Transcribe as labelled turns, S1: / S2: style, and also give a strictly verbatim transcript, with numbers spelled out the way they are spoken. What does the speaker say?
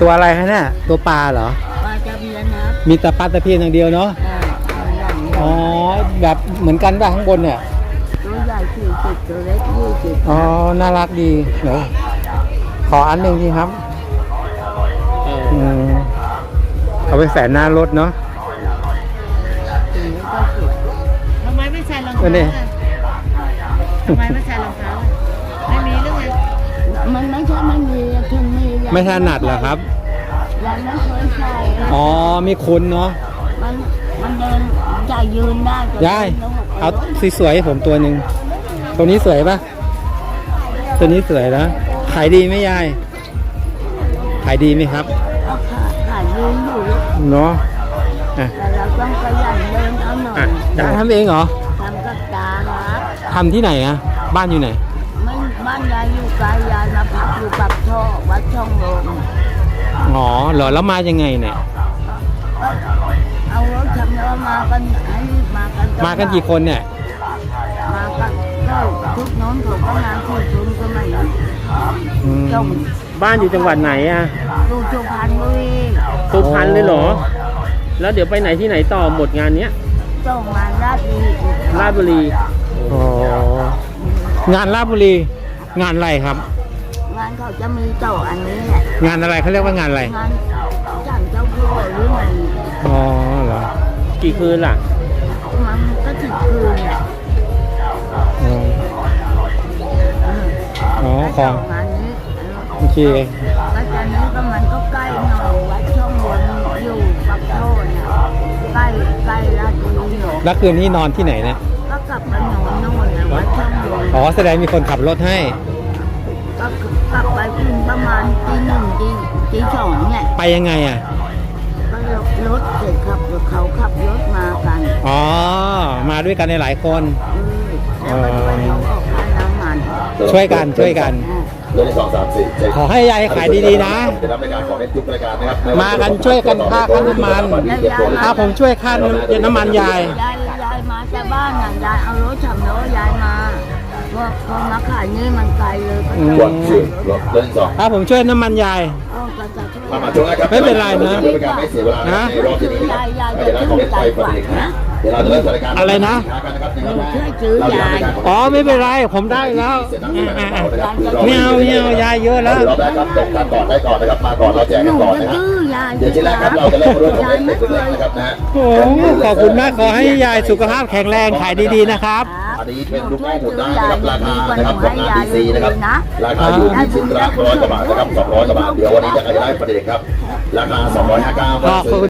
S1: ตัวอะไรฮะเนี่ยตัวปลาเหรอ
S2: ปลาตะเพียนครับ
S1: มีแต่ปลาตะเพียนอย่างเดียวเนาะอ๋อแบบเหมือนกันป่ะข้างบนเนี่ย
S2: ตัวใหญ่สี่สิบตัวเล็กยี่สิบ
S1: อ๋อน่ารักดีเดี๋ยวขออันหนึ่งทีครับอืมเอาไปแฝนหน้ารถเนาะ
S2: ทำไมไม่ใส่รองเท้าทำไมไม่ใส่รองเท้าไม่มีหรือไงมันไม่ใช่ไม่มีถึงมี
S1: ไม่ถนัดเหรอครับ
S2: ยังไม่เคยใส่
S1: อ๋อมีคุณเนาะ
S2: มันมันเดินจะยืนได้
S1: ยายเอาสวยๆผมตัวหนึ่งตัวนี้สวยปะตัวนี้สวยนะขายดีไหมยายขายดีไหมครับ
S2: ขายยืนอยู่
S1: เนาะ
S2: แต่เราต้องขยันเดินเอาหน่อย
S1: ยายทำเองเหรอ
S2: ทำกับตาครับ
S1: ทำที่ไหนอะบ้านอยู่ไหน
S2: ไม่บ้านยายอยู่ไกลยายมาพักอยู่กับช่อวัดช่องลม
S1: อ๋อเหรอแล้วมายังไงเนี่ย
S2: เอารถทำแล้วมากันให้มากัน
S1: มากันกี่คนเนี่ย
S2: มากันก็ทุกน้องเขาก็งานที่ชุมก็ไม่
S1: จงบ้านอยู่จังหวัดไหนอะ
S2: ดูสุพรรณบุรี
S1: สุพรรณเลยเหรอแล้วเดี๋ยวไปไหนที่ไหนต่อหมดงานเนี้ย
S2: ต้องงานราชบุรี
S1: ราชบุรีอ๋องานราชบุรีงานอะไรครับ
S2: งานเขาจะมีต่ออันนี้แหละ
S1: งานอะไรเขาเรียกว่างานอะไร
S2: งานจันเจ้าพ่อหรือไง
S1: อ๋อเหรอกี่คืนล่ะ
S2: มันก็ถึงคืนแหละ
S1: อ๋อของ
S2: งานนี้
S1: โอเค
S2: วัดจันนี้ก็มันก็ใกล้หน่อยวัดช่องวนอยู่ปักโทษเนี่ยใกล้ใกล้ราชบุรีหน่อย
S1: แล้วคืนนี้นอนที่ไหนเนี่ย
S2: ก็กลับมานอนโน่นนะวัดช่องวน
S1: อ๋อแสดงมีคนขับรถให้
S2: ก็กลับไปถึงประมาณตีหนึ่งตีตีสองเนี่ย
S1: ไปยังไงอ่ะ
S2: ก็รถเสร็จขับเขาขับรถมากัน
S1: อ๋อมาด้วยกันในหลายคน
S2: แล้วมาช่วยเขาออกค่าน้ำมัน
S1: ช่วยกันช่วยกัน
S3: เรื่องที่สองสามสี่
S1: ขอให้ยายขายดีๆนะมากันช่วยกันค่าค่าน้ำมันถ้าผมช่วยค่าน้ำมันยาย
S2: ยายยายมาจากบ้านน่ะยายเอารถฉ่ำรถยายมาว่าพอมาขายนี่มันไกลเลยก็
S3: ต้องเรื่องสอง
S1: ถ้าผมช่วยน้ำมันยายไม่เป็นไรนะนะ
S2: ยายยายจะชื่นใจกว่านะ
S1: อะไรนะ
S2: ช่วยซื้อยาย
S1: อ๋อไม่เป็นไรผมได้แล้วไม่เอาไม่เอายายเยอะแล้ว
S3: เราได้ครับตกกันก่อนได้ก่อนนะครับมาก่อนเราแจกกันก่อนนะครับเดี๋ยวที่แรกครับเราจะเริ่มด้วยของเล็กๆนะครับนะ
S1: โอ้ขอบคุณมากขอให้ยายสุขภาพแข็งแรงขายดีๆนะครับ
S3: อันนี้เป็นลูกแม่หมุนได้นะครับราคานะครับของงานดีซีนะครับราคาอยู่ที่ชิ้นละร้อยกว่าบาทนะครับสองร้อยกว่าบาทเดี๋ยววันนี้จะขยายประเด็นครับราคาสองร้อยห้าสิบเก้าบาท